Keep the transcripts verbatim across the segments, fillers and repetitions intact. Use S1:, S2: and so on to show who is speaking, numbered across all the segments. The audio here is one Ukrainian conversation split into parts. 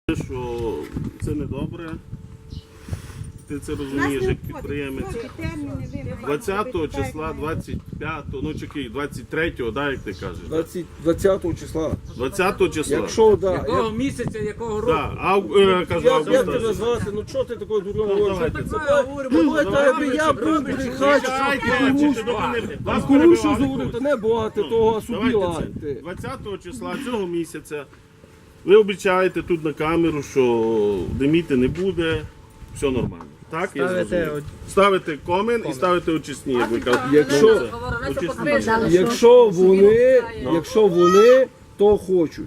S1: Що це не добре. Ти це розумієш, як підприємець. двадцятого числа, двадцять п'ятого, ну чекай, двадцять третього, да, як ти кажеш?
S2: двадцятого числа.
S1: двадцятого числа.
S2: Якщо, да.
S3: Якого
S2: як-
S3: місяця, якого року?
S1: Да, ав, е, кажу,
S2: Як, як тебе
S1: августа.
S2: звати? Ну чого ти такою дурною
S1: Ну,
S2: говориш?
S1: давайте це.
S2: Давайте, аби я був брехач, а кому що говорити, не багато того, а собі
S1: Давайте це.
S2: лайте.
S1: двадцятого числа цього місяця ви обіцяєте тут на камеру, що диміти не буде, все нормально. Так, я зрозумів. Ставите комен і ставите очисні, як ви кажете.
S2: Якщо,
S1: Очисні.
S2: якщо вони, якщо вони, то хочуть.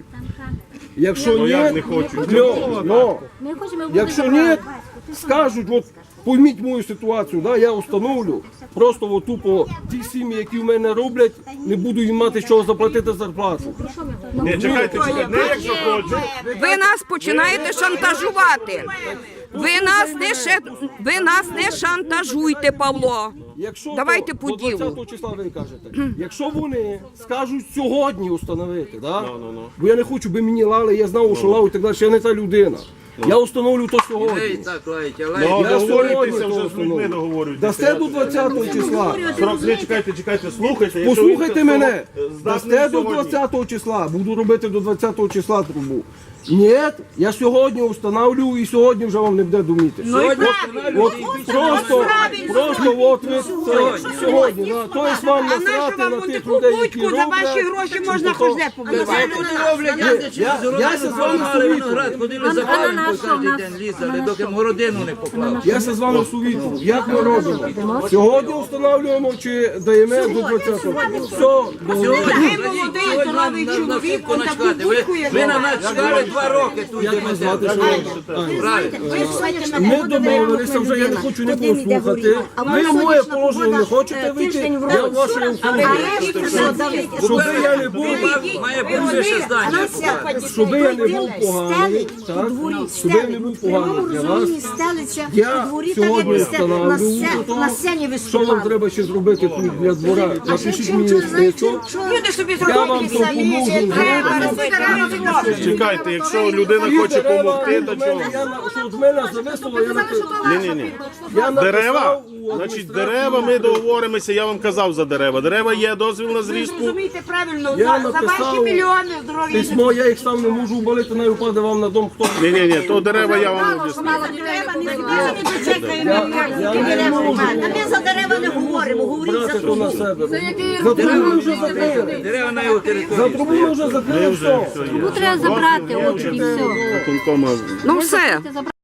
S2: Якщо
S1: Ну як не
S2: ні,
S1: хочуть?
S2: ну, ну,
S4: Ми хочемо
S2: якщо ні, скажуть, от пойміть мою ситуацію, да, я установлю, просто от тупо ті сім'ї, які в мене роблять, не буду їм мати з чого заплатити зарплату.
S1: Ні, чекайте, чекайте, не якщо хочуть.
S5: Ви нас починаєте шантажувати. Ви нас не ше... ви нас не шантажуйте, Павло.
S2: Якщо
S5: Давайте
S2: то,
S5: по
S2: до
S5: ділу.
S2: двадцятого числа ви кажете, якщо вони скажуть сьогодні установити, да?
S1: Ну, ну, ну.
S2: бо я не хочу, би мені лали, я знав, що лав і так далі, я не та людина. Я установлю то сьогодні.
S3: Так, лаєте,
S1: Ну,
S2: Я
S1: договорюйтеся
S2: сьогодні
S1: вже
S2: то
S1: з людьми,
S2: установлю.
S1: договорюйтеся.
S2: Дасте до двадцятого числа.
S1: Срок, не чекайте, чекайте, слухайте. якщо
S2: Послухайте
S1: він
S2: мене,
S1: здатний
S2: дасте до
S1: сьогодні.
S2: двадцятого числа, буду робити до двадцятого числа трубу. Ні, я сьогодні встановлю і сьогодні вже вам не буде думіти.
S3: Сьогодні
S2: От просто, просто от ви це сьогодні, да. Тобто вам насрати на тих людей, які роблять.
S6: За ваші гроші можна хоч де побудувати.
S3: люди роблять, я
S2: Я, я се з вами
S3: виноград,
S2: совітую.
S3: ходили за палем кожен день лізали, доки городину не поклав.
S2: Я се з вами совітую. Як ми робимо? Сьогодні встановлюємо чи даємо до двадцятого? Все, до
S6: Ви молодий, здоровий чоловік, он таку будку є.
S3: Ви на нас чекали два роки тут.
S2: як вас звати, що робите?
S3: Правильно.
S2: Ми домовилися вже, я не хочу нікого слухати. Ви моє положення не хочете вийти, я ваше ухвалюю. Щоб я не був,
S3: Має бути вище здання.
S2: щоб я не був поганий, так? Щоб я не був поганий для вас. Я сьогодні встановлю,
S4: на сцені
S2: що вам треба ще зробити тут для двора. Напишіть мені листочок,
S6: Люди собі
S2: я вам
S6: зробили самі.
S2: допоможу.
S1: Чекайте, якщо людина хоче допомогти, то чого?
S2: Що з мене зависло, я написав.
S1: Ні-ні-ні.
S2: Я
S1: Дерева?
S2: написав у
S1: Значить,
S2: адміністрацію.
S1: дерева, ми договоримося, я вам казав за дерева. Дерева є, дозвіл на зрізку.
S6: Розумієте правильно,
S2: Я
S6: за, за
S2: написав
S6: ваші мільйони здоров'я.
S2: Письмо, я їх сам не можу вбалити, не впаде вам на дом, хто.
S1: Ні-ні-ні, то дерева я вам об'ясню.
S4: Ми за дерева не говоримо, говоріть за
S2: Брати то на
S4: трубу.
S2: себе. За трубу ми вже закрили.
S3: Дерева на його
S2: За
S3: території.
S2: трубу ми вже закрили, все.
S4: Трубу треба забрати, от і все.
S1: Виконкома
S5: Ну все.